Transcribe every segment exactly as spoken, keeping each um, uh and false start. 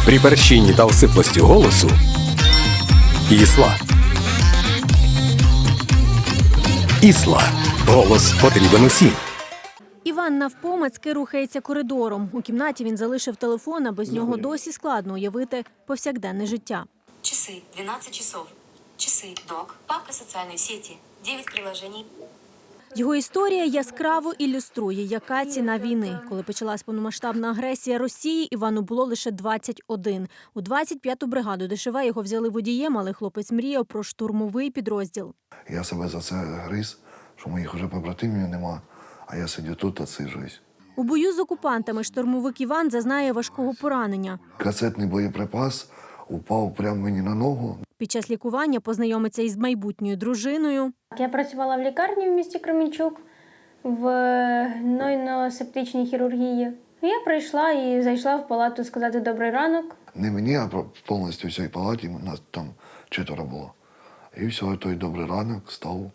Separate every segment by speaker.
Speaker 1: При перщині та осиплості голосу Ісла. Ісла. Голос потрібен усім.
Speaker 2: Іван навпомацьки рухається коридором. У кімнаті він залишив телефон, а без нього досі складно уявити повсякденне життя.
Speaker 3: Часы, двенадцать часов. Часы, док, папка социальной сети, девять приложений.
Speaker 2: Його історія яскраво ілюструє, яка ціна війни. Коли почалась повномасштабна агресія Росії, Івану було лише двадцять один. У двадцять п'яту бригаду ДШВ його взяли водієм, але хлопець мріяв про штурмовий підрозділ.
Speaker 4: Я себе за це гриз, що моїх вже побратимів нема, а я сидю тут, отсиджуюсь.
Speaker 2: У бою з окупантами штурмовик Іван зазнає важкого поранення.
Speaker 4: Касетний боєприпас упав прямо мені на ногу.
Speaker 2: Під час лікування познайомиться із майбутньою дружиною.
Speaker 5: Я працювала в лікарні в місті Кременчук в гнойно-септичній хірургії. Я прийшла і зайшла в палату сказати «добрий ранок».
Speaker 4: Не мені, а повністю всій палаті, нас там четверо було. І все, той добрий ранок став.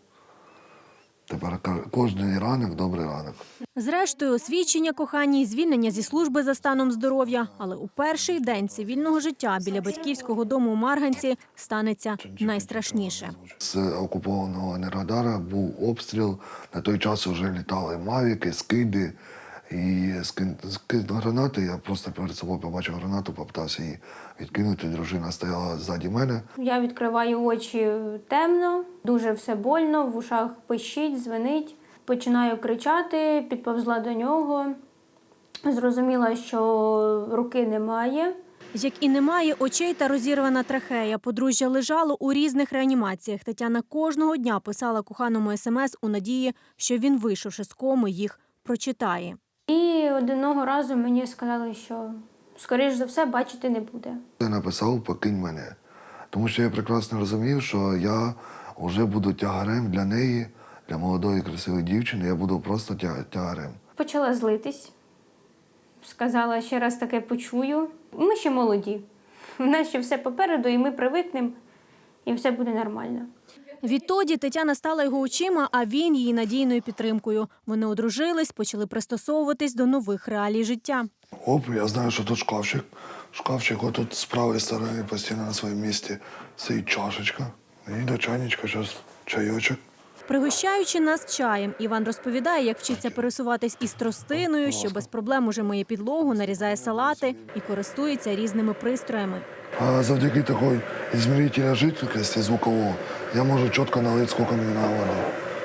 Speaker 4: Тепер кожен ранок добрий ранок.
Speaker 2: Зрештою, освідчення коханій, звільнення зі служби за станом здоров'я. Але у перший день цивільного життя біля батьківського дому у Марганці станеться найстрашніше.
Speaker 4: З окупованого Енергодара був обстріл. На той час вже літали мавіки, скиди. І скид гранати, я просто перед собою побачив гранату, попитався її відкинути. Дружина стояла ззаді мене.
Speaker 5: Я відкриваю очі темно, дуже все больно, в ушах пищить, дзвенить. Починаю кричати, підповзла до нього. Зрозуміла, що руки немає.
Speaker 2: Як і немає очей та розірвана трахея. Подружжя лежало у різних реанімаціях. Тетяна кожного дня писала коханому смс у надії, що він, вийшовши з коми, їх прочитає.
Speaker 5: І одного разу мені сказали, що, скоріш за все, бачити не буде.
Speaker 4: Я написав «покинь мене», тому що я прекрасно розумів, що я вже буду тягарем для неї, для молодої красивої дівчини, я буду просто тягарем.
Speaker 5: Почала злитись, сказала, ще раз таке почую. Ми ще молоді, в нас ще все попереду, і ми привикнемо, і все буде нормально.
Speaker 2: Відтоді Тетяна стала його очима, а він її надійною підтримкою. Вони одружились, почали пристосовуватись до нових реалій життя.
Speaker 4: Оп, я знаю, що тут шкафчик. Шкафчик отут з правої сторони постійно на своєму місці стоїть чашечка. І до чайничка зараз чайочок.
Speaker 2: Пригощаючи нас чаєм, Іван розповідає, як вчиться пересуватись із тростиною, що без проблем уже миє підлогу, нарізає салати і користується різними пристроями.
Speaker 4: А завдяки такої змірителя жидкості звукового я можу чітко налити, скільки мені на воду.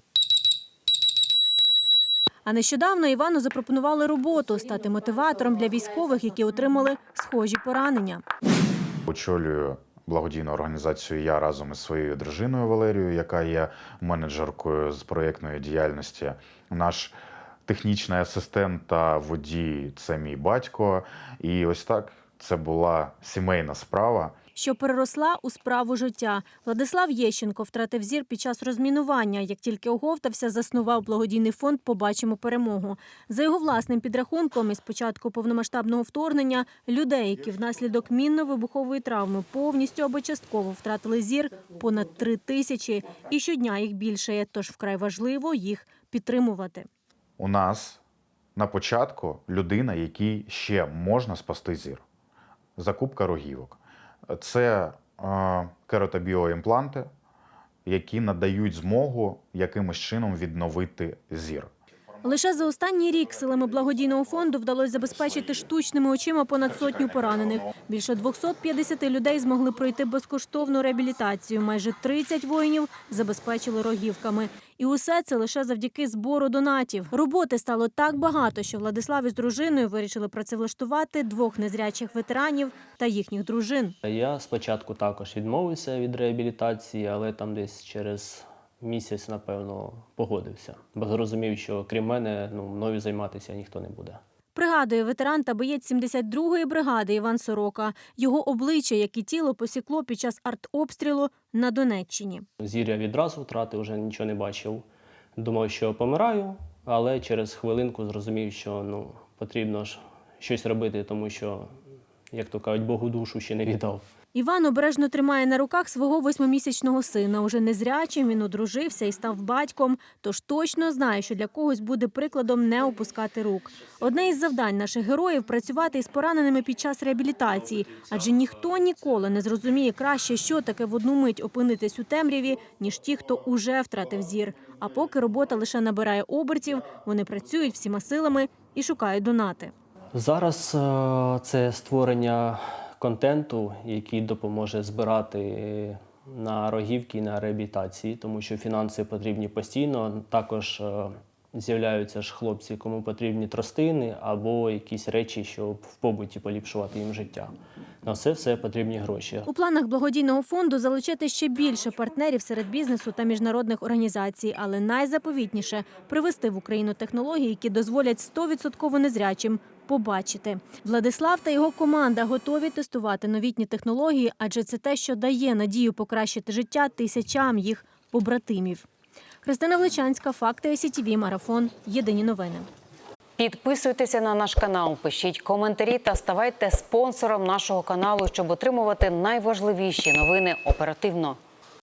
Speaker 2: А нещодавно Івану запропонували роботу – стати мотиватором для військових, які отримали схожі поранення.
Speaker 6: Очолюю благодійну організацію я разом із своєю дружиною Валерією, яка є менеджеркою з проєктної діяльності. Наш технічний асистент та водій – це мій батько. І ось так це була сімейна справа,
Speaker 2: що переросла у справу життя. Владислав Єщенко втратив зір під час розмінування. Як тільки оговтався, заснував благодійний фонд «Побачимо перемогу». За його власним підрахунком, із початку повномасштабного вторгнення, людей, які внаслідок мінно-вибухової травми повністю або частково втратили зір, понад три тисячі. І щодня їх більшає, тож вкрай важливо їх підтримувати.
Speaker 6: У нас на початку людина, якій ще можна спасти зір. Закупка рогівок. Це е, кератобіоімпланти, які надають змогу якимось чином відновити зір.
Speaker 2: Лише за останній рік силами благодійного фонду вдалося забезпечити штучними очима понад сотню поранених. Більше двохсот п'ятдесяти людей змогли пройти безкоштовну реабілітацію. Майже тридцять воїнів забезпечили рогівками. І усе це лише завдяки збору донатів. Роботи стало так багато, що Владислав із дружиною вирішили працевлаштувати двох незрячих ветеранів та їхніх дружин.
Speaker 7: Я спочатку також відмовився від реабілітації, але там десь через місяць, напевно, погодився. Бо зрозумів, що крім мене, ну, мною займатися ніхто не буде.
Speaker 2: Пригадує ветеран та боєць сімдесят другої бригади Іван Сорока. Його обличчя, як і тіло, посікло під час артобстрілу на Донеччині.
Speaker 7: Зір я відразу втратив, вже нічого не бачив. Думав, що помираю, але через хвилинку зрозумів, що ну, потрібно ж щось робити, тому що як то кажуть, Богу душу ще не віддав.
Speaker 2: Іван обережно тримає на руках свого восьмимісячного сина. Уже незрячим він одружився і став батьком, тож точно знає, що для когось буде прикладом не опускати рук. Одне із завдань наших героїв – працювати із пораненими під час реабілітації. Адже ніхто ніколи не зрозуміє краще, що таке в одну мить опинитись у темряві, ніж ті, хто уже втратив зір. А поки робота лише набирає обертів, вони працюють всіма силами і шукають донати.
Speaker 7: Зараз е, це створення контенту, який допоможе збирати на рогівки і на реабілітації, тому що фінанси потрібні постійно. Також е, з'являються ж хлопці, кому потрібні тростини або якісь речі, щоб в побуті поліпшувати їм життя. На це все потрібні гроші.
Speaker 2: У планах благодійного фонду залучити ще більше партнерів серед бізнесу та міжнародних організацій. Але найзаповітніше – привести в Україну технології, які дозволять сто відсотків незрячим побачити. Владислав та його команда готові тестувати новітні технології, адже це те, що дає надію покращити життя тисячам їх побратимів. Христина Влечанська, Факти ай сі ті ві, Марафон. Єдині новини.
Speaker 8: Підписуйтеся на наш канал, пишіть коментарі та ставайте спонсором нашого каналу, щоб отримувати найважливіші новини оперативно.